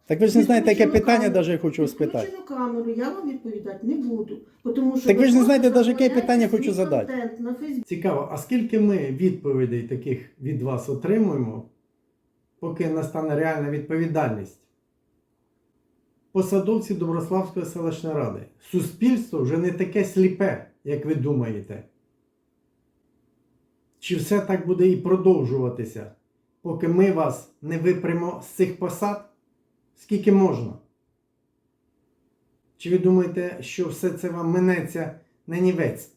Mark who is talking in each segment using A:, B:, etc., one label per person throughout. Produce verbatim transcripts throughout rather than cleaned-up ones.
A: Так ви ж не знаєте, яке питання навіть я хочу вас
B: Включену
A: спитати.
B: камеру, я вам відповідати не буду. Тому що
A: Так ви ж не знаєте,
B: просто
A: навіть яке питання
B: заповняєте
A: хочу
B: свій
A: задати.
B: контент на Фейсбуці.
C: Цікаво, а скільки ми відповідей таких від вас отримуємо, поки настане реальна відповідальність? Посадовці Доброславської селищної ради. Суспільство вже не таке сліпе, як ви думаєте. Чи все так буде і продовжуватися, поки ми вас не випрямо з цих посад? Скільки можна? Чи ви думаєте, що все це вам минеться на нівець?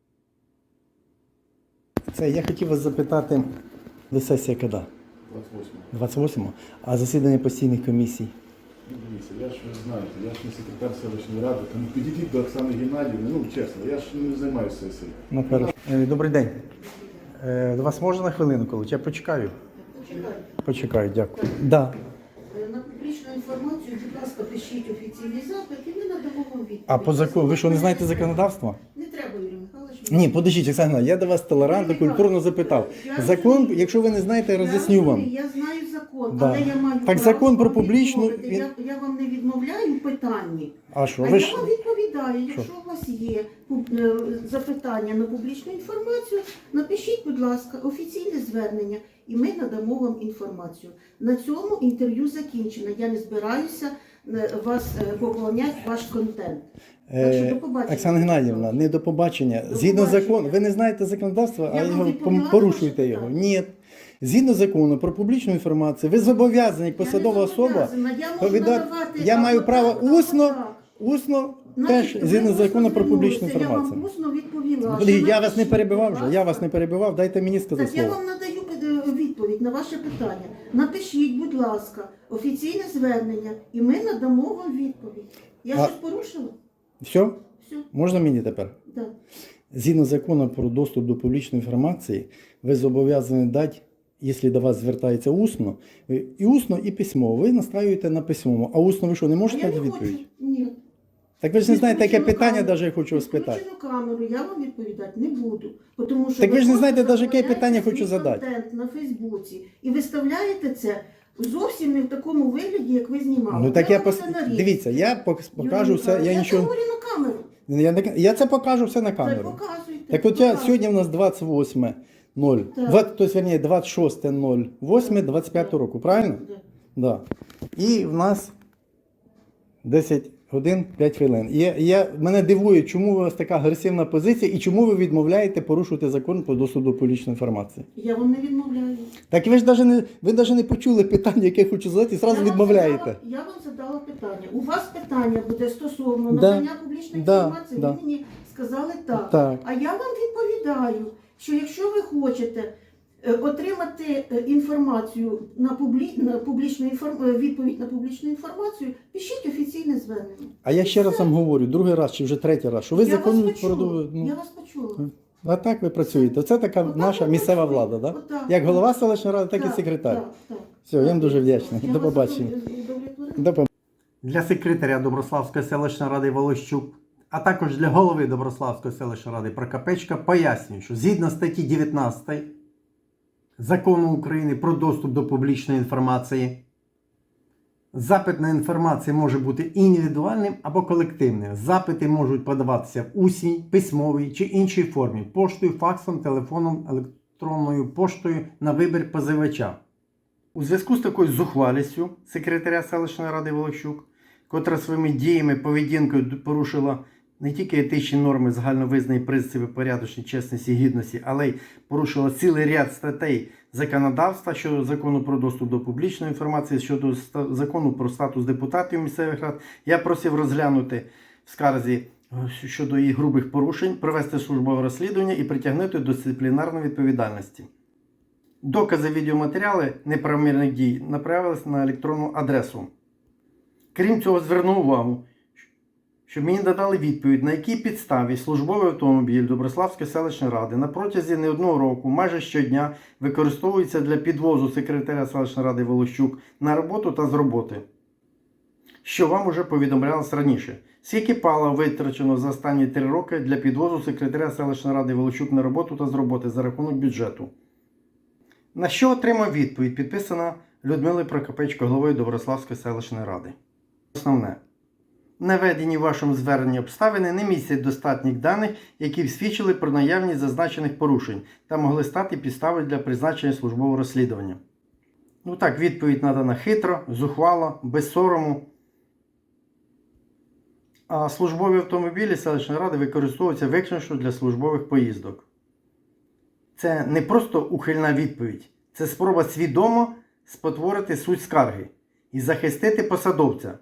A: Це я хотів вас запитати, до сесія коли?
D: двадцять восьмого.
A: двадцять восьмого? А засідання постійних комісій?
D: Ну, дивіться, я ж ви знаєте, я ж не секретар селищної ради, тому підійдіть до Оксани Геннадіївни, ну чесно, я ж не займаюся сесією.
A: Ну, хорошо. Е, Добрий день. Е, До вас можна на хвилину, коли? Я почекаю.
B: Почекайте.
A: Почекаю, дякую. Да.
B: Е, На публічну інформацію, будь ласка, пишіть офіційний запит і ми надамо вам відповідь.
A: А по закону, ви що, не знаєте законодавства?
B: Не треба, Юрій Михайлович.
A: Ні, подождіть, Оксана, я до вас толерантно, культурно запитав. Закон, якщо ви не знаєте, роз'ясню
B: Я
A: вам.
B: розумію, Я знаю закон,
A: Да.
B: але я маю
A: Так
B: право
A: закон про
B: вам
A: публічну
B: відмовити. Я, я вам не відмовляю в питанні.
A: А що,
B: А
A: ви
B: я
A: ж...
B: вам відповідаю, якщо у вас є пуб- е, запитання на публічну інформацію, напишіть, будь ласка, офіційне звернення, і ми надамо вам інформацію. На цьому інтерв'ю закінчено. Я не збираюся е, вас е, поповняти ваш контент. Так що
A: Е,
B: до побачення.
A: Оксана Геннадіївна, не до побачення.
B: До
A: Згідно
B: побачення.
A: закону, ви не знаєте законодавства,
B: Я
A: а
B: вам
A: його
B: відповіла на
A: порушуєте
B: ваше
A: його.
B: питання.
A: Ні. Згідно закону про публічну інформацію, ви зобов'язані як посадова
B: Я не
A: особа
B: зобов'язана. Я можу
A: повідати.
B: надавати
A: Я маю
B: або
A: право
B: так, або
A: усно,
B: так.
A: усно
B: Значить,
A: теж
B: ви
A: згідно
B: усно
A: закону про публічну
B: звернулися, Я
A: інформацію.
B: вам усно відповіла.
A: Подождіть,
B: що
A: я вас не
B: напишіть,
A: перебивав
B: будь
A: вже, я вас
B: ласка.
A: не перебивав, дайте мені сказати
B: Так я
A: слово.
B: вам надаю е, відповідь на ваше питання. Напишіть, будь ласка, офіційне звернення, і ми надамо вам відповідь. Я
A: А-
B: щось порушила?
A: Все?
B: Все,
A: Можна мені тепер?
B: так.
A: Згідно закону про доступ до публічної інформації, ви зобов'язані дати, якщо до вас звертається усно, ви і усно, і письмово. Ви настраюєте на письмовому. А усно ви що, не
B: А
A: можете
B: я не
A: дати
B: хочу.
A: відповідь?
B: Ні.
A: Так ви ж не знаєте, яке
B: Відключену
A: питання,
B: камеру.
A: навіть я хочу вас спитати.
B: Відключену камеру я вам відповідати не буду. Тому що
A: Так ви ж не знаєте,
B: просто
A: навіть яке
B: заповняєте
A: питання хочу
B: свій
A: задати.
B: контент на Фейсбуці і виставляєте це зовсім не в такому вигляді, як ви знімали.
A: Ну так я
B: вам
A: пос...
B: це нарізати.
A: Дивіться, я пок- покажу
B: Юрій
A: все, я
B: Михайлович,
A: нічого.
B: Я говорю на камеру.
A: Я, не- я це покажу все на
B: Так
A: камеру.
B: показуйте.
A: Так от я,
B: показуйте.
A: сьогодні у нас двадцять восьме ноль,
B: Так.
A: двадцять, тобто, верніше, двадцять шосте восьме двадцять п'ятого року, правильно?
B: Да.
A: Да. І в нас десять годин п'ять хвилин. І я, я, мене дивує, чому у вас така агресивна позиція і чому ви відмовляєте порушувати закон про доступ до публічної інформації.
B: Я вам не відмовляю.
A: Так ви ж навіть не, ви навіть не почули питання, яке я хочу задати, і
B: Я
A: одразу
B: вам
A: відмовляєте.
B: задала- Я вам задала питання. У вас питання буде стосовно
A: Да.
B: надання публічної
A: Да.
B: інформації.
A: Да.
B: Ви мені сказали так.
A: Так.
B: А я вам відповідаю, що якщо ви хочете е, отримати е, інформацію на, публі... на публічну інформ... е, відповідь на публічну інформацію, пишіть офіційне звернення.
A: А я ще раз вам говорю, другий раз чи вже третій раз, що ви
B: я
A: законно
B: вас почула.
A: продовжуєте.
B: Я
A: Ну,
B: вас почула.
A: а так ви працюєте. Це така
B: Отак
A: наша
B: ви
A: місцева
B: працюєте.
A: влада, да?
B: Отак.
A: Як голова селищної ради, так і
B: Так,
A: секретар.
B: так, так.
A: Все, я вам дуже вдячний.
B: Я
A: До
B: вас
A: побачення.
B: удовлетворила.
A: До побачення.
C: Для секретаря Доброславської селищної ради Волощук, а також для голови Доброславської селищної ради Прокопечка пояснюю, що згідно статті дев'ятнадцятої Закону України про доступ до публічної інформації, запит на інформацію може бути індивідуальним або колективним. Запити можуть подаватися в усній, письмовій чи іншій формі, поштою, факсом, телефоном, електронною поштою на вибір позивача. У зв'язку з такою зухвалістю секретаря селищної ради Волощук, котра своїми діями, поведінкою порушила не тільки етичні норми загальновизнані принципи порядочності, чесності, гідності, але й порушила цілий ряд статей законодавства щодо закону про доступ до публічної інформації, щодо ста- закону про статус депутатів місцевих рад, я просив розглянути в скарзі е, щодо їх грубих порушень, провести службове розслідування і притягнути до дисциплінарної відповідальності. Докази відеоматеріали неправомірних дій направились на електронну адресу. Крім цього, звернув увагу, щоб мені надали відповідь, на якій підставі службовий автомобіль Доброславської селищної ради на протязі не одного року, майже щодня, використовується для підвозу секретаря селищної ради Волощук на роботу та з роботи. Що вам уже повідомлялось раніше. Скільки палива витрачено за останні три роки для підвозу секретаря селищної ради Волощук на роботу та з роботи за рахунок бюджету. На що отримав відповідь, підписана Людмили Прокопечко, головою Доброславської селищної ради. Основне. Наведені в вашому зверненні обставини не містять достатніх даних, які б свідчили про наявність зазначених порушень та могли стати підставою для призначення службового розслідування. Ну так, відповідь надана хитро, зухвало, без сорому. А службові автомобілі селищної ради використовуються виключно для службових поїздок. Це не просто ухильна відповідь, це спроба свідомо спотворити суть скарги і захистити посадовця,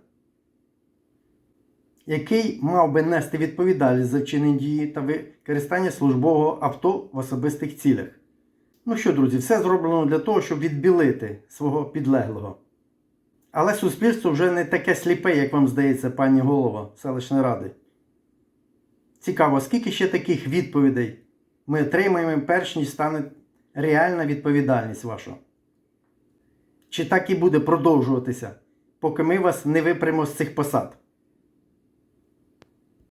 C: який мав би нести відповідальність за вчинені дії та використання службового авто в особистих цілях. Ну що, друзі, все зроблено для того, щоб відбілити свого підлеглого. Але суспільство вже не таке сліпе, як вам здається, пані голова селищної ради. Цікаво, скільки ще таких відповідей ми отримаємо, перш ніж стане реальна відповідальність ваша? Чи так і буде продовжуватися, поки ми вас не випрямо з цих посад?